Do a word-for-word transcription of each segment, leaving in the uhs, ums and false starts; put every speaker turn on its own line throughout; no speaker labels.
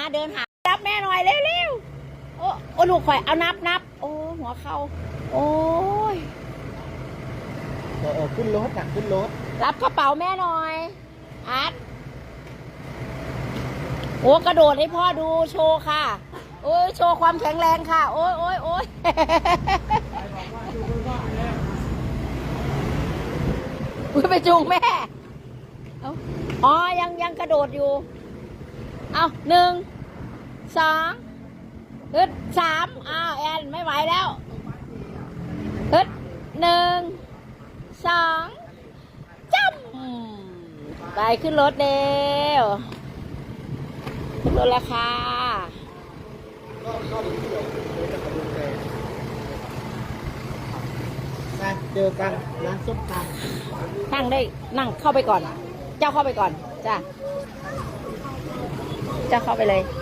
เดินหานับแม่หน่อยเร็วๆโอ้โอ้ลูกข่อยเอานับนับโอ้หัวเข่าโอ้ย
เออขึ้นรถจักขึ้นรถ
รับกระเป๋าแม่หน่อยอาร์ตโอ้กระโดดให้พ่อดูโชว์ค่ะโอ้ยโชว์ความแข็งแรงค่ะโอ้ยโอ้ยโอ้ยอุ้ยไปจูงแม่เอาอ๋อยังยังกระโดดอยู่เอาหนึ่งสองฮึดสามอ้าวแอนไม่ไหวแล้วฮึดหนึ่งสองจ้ำไปขึ้นรถเร็วขึ้นรถแล้วค่ะ
เจอกันร้านส้มตำ
นั่งได้นั่งเข้าไปก่อนเจ้าเข้าไปก่อนจ้าเจ้าเข้าไปเลย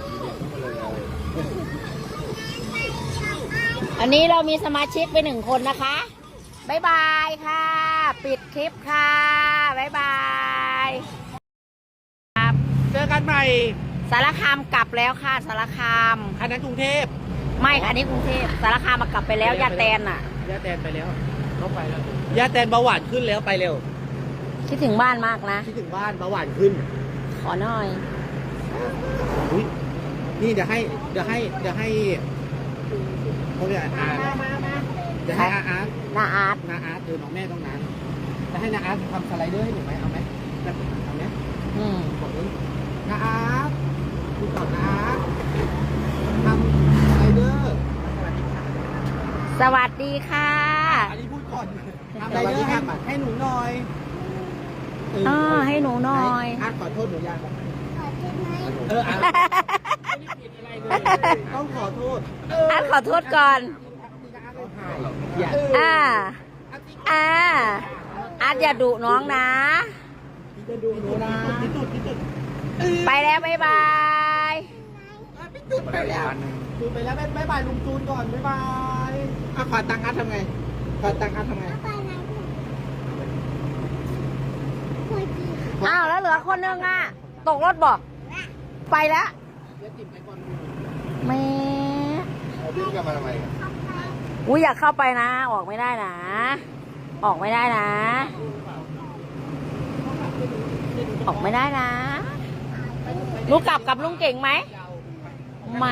อันนี้เรามีสมาชิกไปหนึ่งคนนะคะบ๊ายบายค่ะปิดคลิปค่ะบ๊ายบายครับ
เจอกันใหม่
สารคามกลับแล้วค่ะสารคาม
อันนั้นกรุงเทพ
ไม่ค่ะอันนี้กรุงเทพสารคามมากลับไปแล้วยาแตนอ่ะ
ยาแตนไปแล้วเขาไปแล้วยาแตนเบาหวานขึ้นแล้วไปเร็ว
คิดถึงบ้านมากนะ
คิดถึงบ้านเบาหวานขึ้น
ขอหน่อย
อุ้ยนี่เดี๋ยวให้เดี๋ยวให้เดี๋ยวให้เขาเรียกอาร์ตเดี๋ยวให้อาร์ต
นาอาร์ต
นาอาร์ตเออน้องแม่ต้องนั้นจะให้นาอาร์ตทำสไลเดอร์ให้หนูไหมเอาไหมเอาไหม
อืม
บอกเลยนาอาร์ตดูก่อนนาอาร์ตทำสไลเดอร์
สวัสดีค่ะ
อันนี้พูดก่อนทำสไลเดอร์ให้ให้หนูหน่อย
อ๋อให้หนูหน่อย
อาร์ตขอโทษหนูยังเอออาร์ตต้องขอโทษ
อาร์ตขอโทษก่อนอ่าอ่าอาร์ตอย่าดุน้องนะ
จะดูหนูนะ
ไปแล้วบ๊ายบาย
ไปแล้วจูนไปแล้วบ๊ายบายลุงจูนก่อนบ๊ายบายอ่ะขอตังค์อาร์ตทำไงขอตังค์อาร์ตทำไง
อ้าวแล้วเหลือคนนึงอ่ะตกรถบอกไปแล้วแม่
วิ่งกลับมาทำไม
อุ้ยอยากเข้าไปนะออกไม่ได้นะออกไม่ได้นะออกไม่ได้นะลูกกลับกับลุงเก่งไหมไม่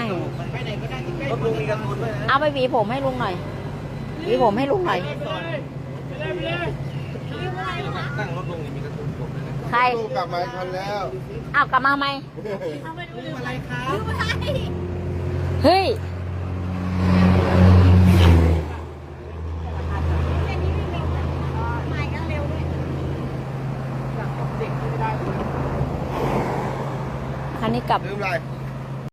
เอาไปหวีผมให้ลุงหน่อยหวีผมให้ลุงหน่อย
นั่งรถลงนี่มีกระตุ้นผม
ใคร
กลับมาทันแล้ว
อ้าวกลับมาไหม
อะไรครับ
เฮ้ยคันนี้กลับ
ลืมอะไร